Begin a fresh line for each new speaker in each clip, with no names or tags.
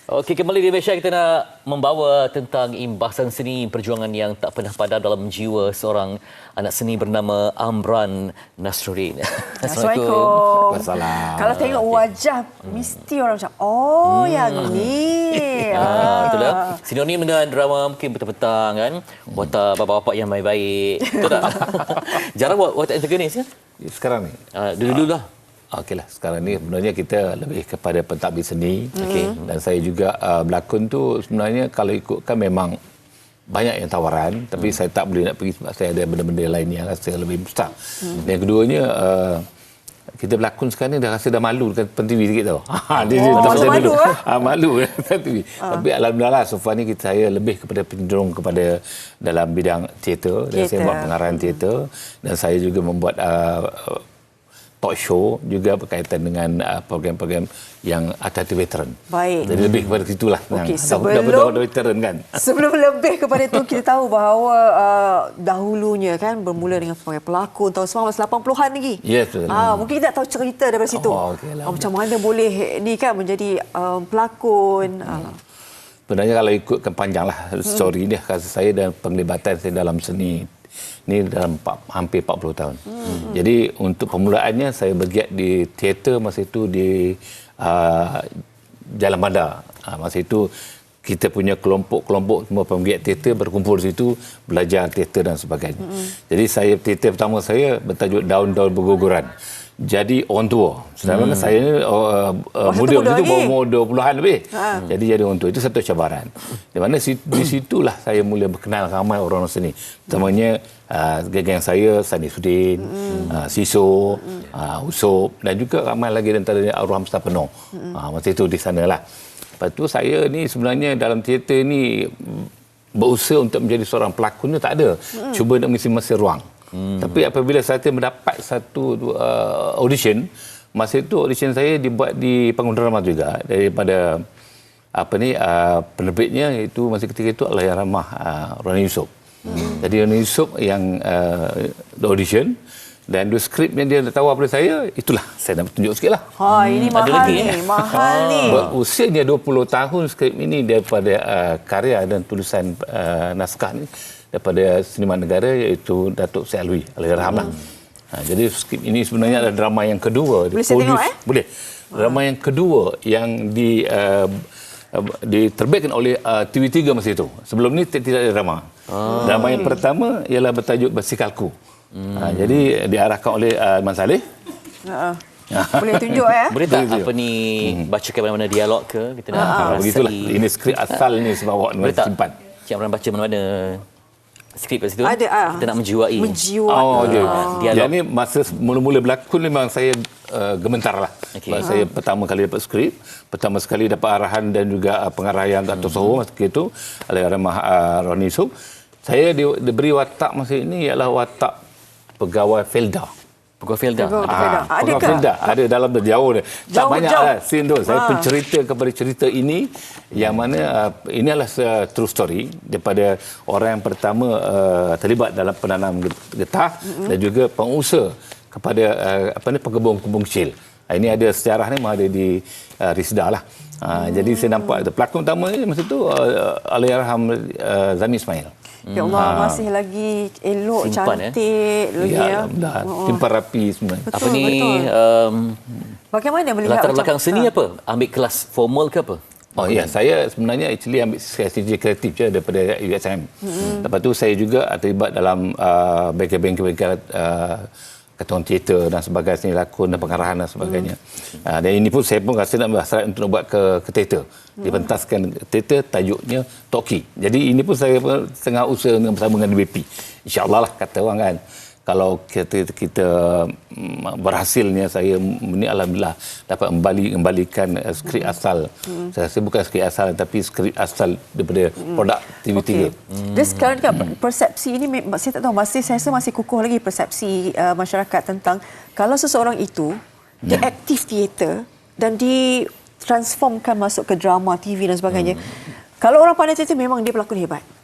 Okey, kembali di Malaysia kita nak membawa tentang imbasan seni perjuangan yang tak pernah padam dalam jiwa seorang anak seni bernama Amran Nasruddin.
Assalamualaikum.
Wassalam.
Kalau tengok wajah mesti orang macam yang ni.
Betul tak? Sinonim dengan drama mungkin petang-petang kan. Watak bapak-bapak yang baik-baik. Betul tak? Jarang buat watak antagonis kan?
Sekarang ni?
Dulu-dulu lah.
Okeylah, sekarang ni sebenarnya kita lebih kepada pentadbir seni. Dan saya juga berlakon tu sebenarnya kalau ikutkan memang banyak yang tawaran, tapi saya tak boleh nak pergi sebab saya ada benda-benda lain yang rasa lebih besar. Dan yang keduanya kita berlakon sekarang ni dah rasa dah malu dekat TV sikit tau.
Malu
Malu dekat TV. Tapi alhamdulillah so far ni saya lebih kepada cenderung kepada dalam bidang teater. Dan saya buat pengarahan teater dan saya juga membuat talk show juga berkaitan dengan program-program yang hati-hati veteran.
Baik.
Jadi lebih kepada situlah.
Okey,
dah veteran kan.
Sebelum lebih kepada itu, kita tahu bahawa dahulunya kan bermula dengan sebagai pelakon tahun 1980-an lagi.
Ya, betul.
Mungkin kita tak tahu cerita daripada situ.
Okeylah.
Macam mana boleh ni kan menjadi pelakon.
Sebenarnya kalau ikutkan panjanglah story dia, kasih saya dan penglibatan saya dalam seni ni dalam hampir 40 tahun. Jadi untuk permulaannya saya bergiat di teater masa itu di Jalan Bandar. Masa itu kita punya kelompok-kelompok semua penggiat teater berkumpul di situ belajar teater dan sebagainya. Jadi teater pertama saya bertajuk Daun-Daun Berguguran. Jadi on tour. Sedangkan saya ni muda masa itu umur 20-an lebih. Jadi on tour itu satu cabaran. Di mana di situlah saya mula berkenal ramai orang seni. Utamanya geng saya Sani Sudin, Siso, Usop dan juga ramai lagi antaranya Arwah Mustafa Penuh. Masa itu di sanalah. Lepas tu saya ni sebenarnya dalam teater ni berusaha untuk menjadi seorang pelakon ni tak ada. Cuba nak mengisi masa ruang. Tapi apabila saya mendapat satu audition, masa itu audition saya dibuat di panggung drama juga daripada penerbitnya itu masa ketika itu Allahyarhamah Roni Yusof. Jadi Roni Yusof yang audition dan dua skrip yang dia tawar pada saya, itulah saya nak tunjuk sikitlah.
Ini mahal ni, mahal ni.
Berusianya 20 tahun skrip ini daripada karya dan tulisan naskah ni daripada seniman negara iaitu Datuk Syed Alwi Allahyarhamah. Jadi skrip ini sebenarnya adalah drama yang kedua.
Boleh saya tengok
Boleh. Drama yang kedua yang diterbitkan oleh TV3 masa itu. Sebelum ni tidak ada drama. Drama yang pertama ialah bertajuk Bersikalku. Jadi diarahkan oleh Man Saleh.
Boleh tunjuk
Boleh tak apa ni bacakan mana-mana dialog ke? Kita nak
begitulah. Ini skrip asal ni sebab awak nak simpan.
Cik Amran baca mana-mana skrip kat situ.
Ada.
Kita nak menjiwai.
Dialog. Jadi masa mula-mula berlakon memang saya gementar lah. Sebab saya pertama kali dapat skrip, pertama sekali dapat arahan dan juga pengarahan Dato' Soho masa itu, Allahyarhamah Roni Yusof. Saya diberi watak masa ini ialah watak pegawai Felda.
Pegawai Felda.
Pegawai Felda. Ada dalam tu jauh dia. Tak banyak lah scene tu. Saya pencerita kepada cerita ini yang mana ini adalah true story daripada orang yang pertama terlibat dalam penanam getah dan juga pengusaha kepada pengembung-pengembung kecil. Ini ada sejarah ni memang ada di Risda lah. Jadi saya nampak pelakon utama ni masa tu Allahyarhamah Zami Ismail.
Ya Allah, masih lagi elok,
simpan,
cantik lagi
simpan rapi semua.
Betul,
Apa ni
bagaimana melihat
latar belakang seni apa? Ambil kelas formal ke apa?
Saya sebenarnya actually ambil strategi kreatif je daripada USM. Lepas tu saya juga terlibat dalam bengkel-bengkel ketua teater dan sebagainya, seni lakon dan pengarahan dan sebagainya. Dan ini pun saya pun rasa nak berhasrat untuk buat ke teater. Dipentaskan teater tajuknya Toki. Jadi ini pun saya pun tengah usaha bersama dengan DBP. InsyaAllah lah kata orang kan. Kalau kita berhasilnya saya ini alhamdulillah dapat kembalikan skrip asal. Saya rasa bukan skrip asal tapi skrip asal daripada produk TV3.
Dan sekarang kan persepsi ini saya tak tahu saya rasa masih kukuh lagi persepsi masyarakat tentang kalau seseorang itu dia aktif teater dan ditransformkan masuk ke drama TV dan sebagainya. Kalau orang pandai teater memang dia pelakon hebat.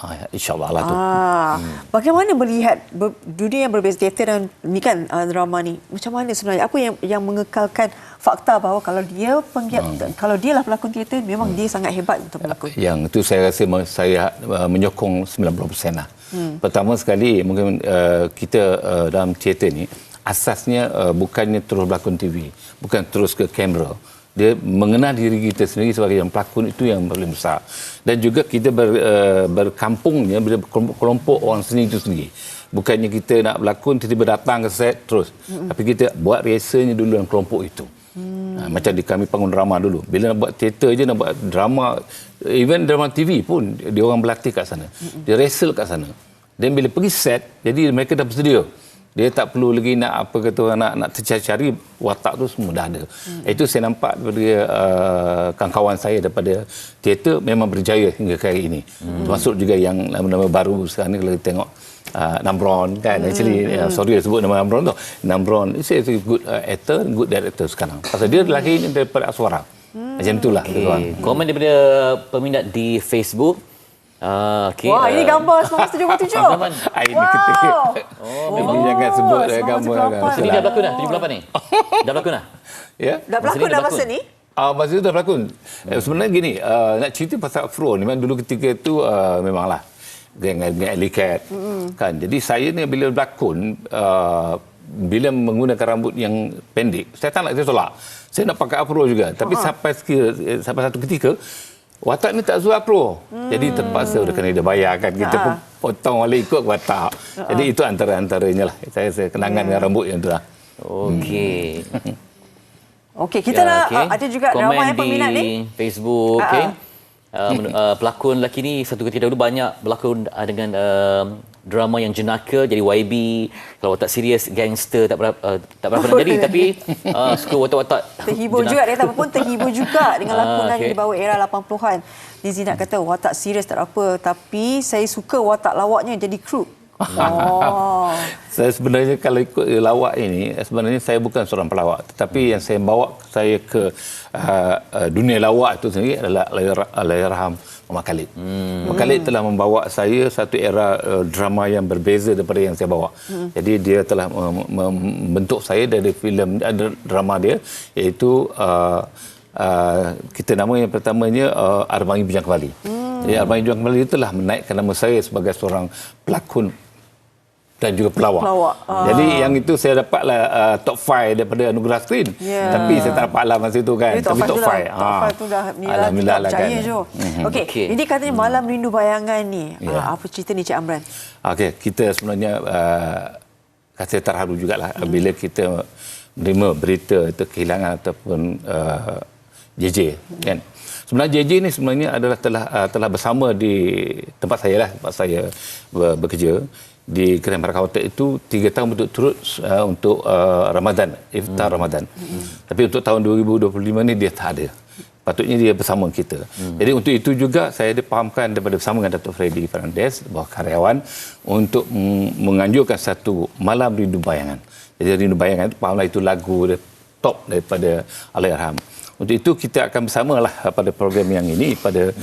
InsyaAllah lah tu.
Bagaimana melihat dunia yang berbeza teater dan ni kan drama ni? Macam mana sebenarnya? Apa yang mengekalkan fakta bahawa kalau dia kalau dia lah pelakon teater, memang dia sangat hebat untuk melakon?
Yang itu saya rasa saya menyokong 90% lah. Pertama sekali mungkin kita dalam teater ni asasnya bukannya terus berlakon TV, bukan terus ke kamera. Dia mengenal diri kita sendiri sebagai yang pelakon, itu yang paling besar. Dan juga kita berkampungnya bila kelompok orang seni itu sendiri. Bukannya kita nak berlakon tiba-tiba datang ke set terus. Tapi kita buat rehearsalnya dulu dalam kelompok itu. Macam di kami Panggung Drama dulu. Bila nak buat teater je, nak buat drama, even drama TV pun dia orang berlatih kat sana. Dia rehearsal kat sana. Dan bila pergi set, jadi mereka dah bersedia. Dia tak perlu lagi nak apa kata orang nak tercari-cari, watak tu semua dah ada. Itu saya nampak daripada kawan-kawan saya daripada teater memang berjaya hingga ke hari ini. Termasuk juga yang nama-nama baru sekarang ni kalau kita tengok Namron kan. Actually sorry sebut nama Namron tu. Namron is a good actor, good director sekarang. Pasal dia lahirnya daripada Aswara. Macam itulah.
Okay. Komen daripada peminat di Facebook. Okay.
Wah, ini gambar 1977.
Ini ketika. Memang jangan sebut gambar.
Ini dah berlakon dah? 78 ni? Dah berlakon dah?
Ya.
Dah berlakon dah masa ni?
Masa itu dah berlakon. Sebenarnya gini, nak cerita pasal afro ni, memang dulu ketika itu memanglah dengan Alley Cat. Kan? Jadi saya ni bila berlakon, bila menggunakan rambut yang pendek, saya tak nak, saya tolak. Saya nak pakai afro juga. Tapi sampai satu ketika, watak ni tak suka afro. Jadi terpaksa kena dia bayar kan. Kita pun potong balik ikut watak. Jadi itu antara-antaranya lah. Saya kenangan dengan rambut yang tu lah.
Okey.
Okey, kita nak ada juga ramai peminat ni.
Facebook, okey. Pelakon lelaki ni satu ketika dahulu banyak berlakon dengan drama yang jenaka, jadi YB. Kalau watak serius, gangster, tak berapa nak jadi. Tapi suka watak-watak
terhibur juga, dia pun terhibur juga dengan lakonan di bawah era 80-an. Lizy nak kata watak serius tak apa, tapi saya suka watak lawaknya jadi kru.
Saya sebenarnya kalau ikut lawak ini, sebenarnya saya bukan seorang pelawak, tetapi yang saya bawa saya ke dunia lawak itu sendiri adalah Allahyarham Muhammad Khalid. Muhammad Khalid telah membawa saya satu era drama yang berbeza daripada yang saya bawa. Jadi dia telah membentuk saya dari filem drama dia, iaitu kita nama yang pertamanya Arbangi Bujang Kembali. Jadi Arbangi Bujang Kembali telah menaikkan nama saya sebagai seorang pelakon dan juga pelawak. Jadi yang itu saya dapatlah top 5 daripada anugerah skrin. Tapi saya tak dapatlah masa itu kan. Tapi top 5.
Top 5 tu dah
alhamdulillah lah kan.
Okey, ini katanya Malam Rindu Bayangan ni. Apa cerita ni Cik Amran?
Okey, kita sebenarnya rasa terharu jugalah bila kita menerima berita itu kehilangan ataupun JJ kan. Sebenarnya JJ ni sebenarnya adalah telah bersama di tempat saya lah, tempat saya bekerja di Grand Baraka Hotel itu 3 tahun berturut-turut untuk Ramadan, iftar Ramadan. Tapi untuk tahun 2025 ni dia tak ada. Patutnya dia bersama kita. Jadi untuk itu juga saya dipahamkan daripada bersama dengan Datuk Freddy Fernandez, bawah karyawan, untuk menganjurkan satu Malam Rindu Bayangan. Jadi Rindu Bayangan itu fahamlah itu lagu top daripada Allahyarham. Untuk itu kita akan bersamalah pada program yang ini pada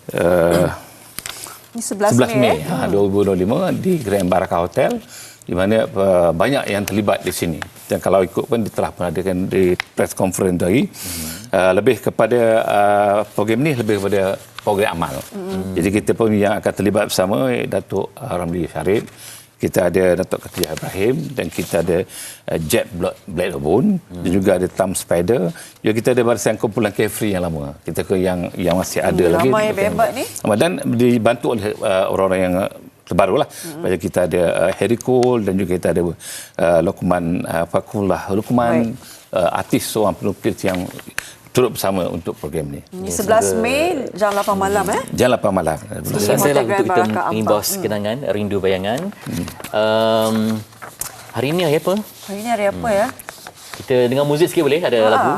11 Mei 2025 di Grand Baraka Hotel, di mana banyak yang terlibat di sini. Dan kalau ikut pun dia telah mengadakan di press conference tadi. Lebih kepada program ni lebih kepada program amal. Jadi kita pun yang akan terlibat bersama Datuk Ramli Syarif, kita ada Datuk Khatijah Ibrahim, dan kita ada Jet Blade of Bone, dan juga ada Tam Spider. Juga kita ada barisan kumpulan Carefree yang lama. Kita ke yang masih ada lagi.
Ramai hebat ni.
Dan dibantu oleh orang-orang yang terbaru lah. Macam kita ada Harry Cole, dan juga kita ada Luqman Fakullah Luqman, artis seorang pelukis yang turut bersama untuk program ni.
11 Mei jam 8 malam
Jam 8 malam.
Selesai lah untuk kita mengimbas kenangan Rindu Bayangan. Hari ini hari apa?
Hari ini hari apa ya?
Kita dengar muzik sikit boleh? Ada lagu.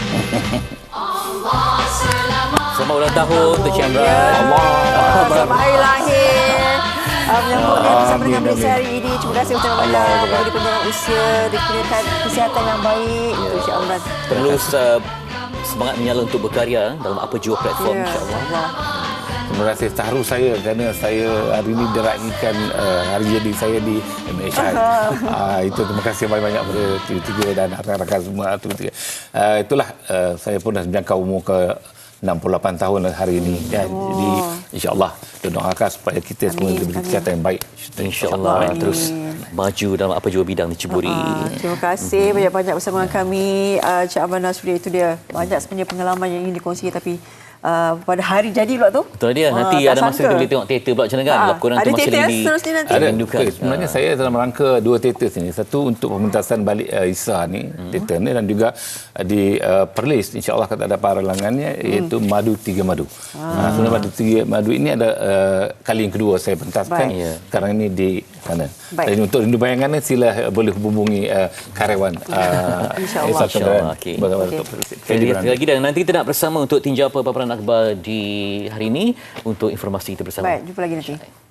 Selamat ulang tahun untuk Cik Amran.
Selamat hari lahir. Menyambut bersama dengan Malaysia hari ini. Terima kasih ucapkan banyak kepada pendengar usia, dikurniakan kesihatan yang baik untuk Cik Amran.
Terus semangat menyala untuk berkarya dalam apa jua platform, insya-Allah.
Terima kasih taruh saya kerana saya hari ini diraihkan hari jadi saya di MHI. Itu terima kasih banyak-banyak kepada TV3 dan rakan-rakan semua. Itulah saya pun dah menjangkau umur ke 68 tahun hari ini. Jadi insya-Allah doakan supaya kita semua diberi kesihatan yang baik.
InsyaAllah terus maju dalam apa jua bidang diceburi.
Terima kasih banyak-banyak bersama kami. Cik Aman Nasri, itu dia. Banyak sebenarnya pengalaman yang ingin dikongsi, tapi pada hari jadi pula tu.
Betul dia. Nanti
tak
ada masa
sangka.
kita boleh tengok teater pula macam mana kan. Lakonan tu masih lagi
seterusnya nanti.
Ada.
rindukan.
Sebenarnya saya dalam rangka 2 teater sini. Satu untuk pementasan balik Isa ni, teater ni, dan juga di Perlis, insya-Allah kata ada paralangannya, iaitu Madu Tiga Madu. Sebenarnya Madu Tiga Madu ini ada kali yang kedua saya pentaskan. Sekarang ini di sana. Dan untuk rindu bayangannya sila boleh hubungi karyawan
InsyaAllah.
Okey. Sekali lagi, dan nanti kita nak bersama untuk tinjau paparan akhbar di hari ini untuk informasi kita bersama.
Baik, jumpa lagi nanti.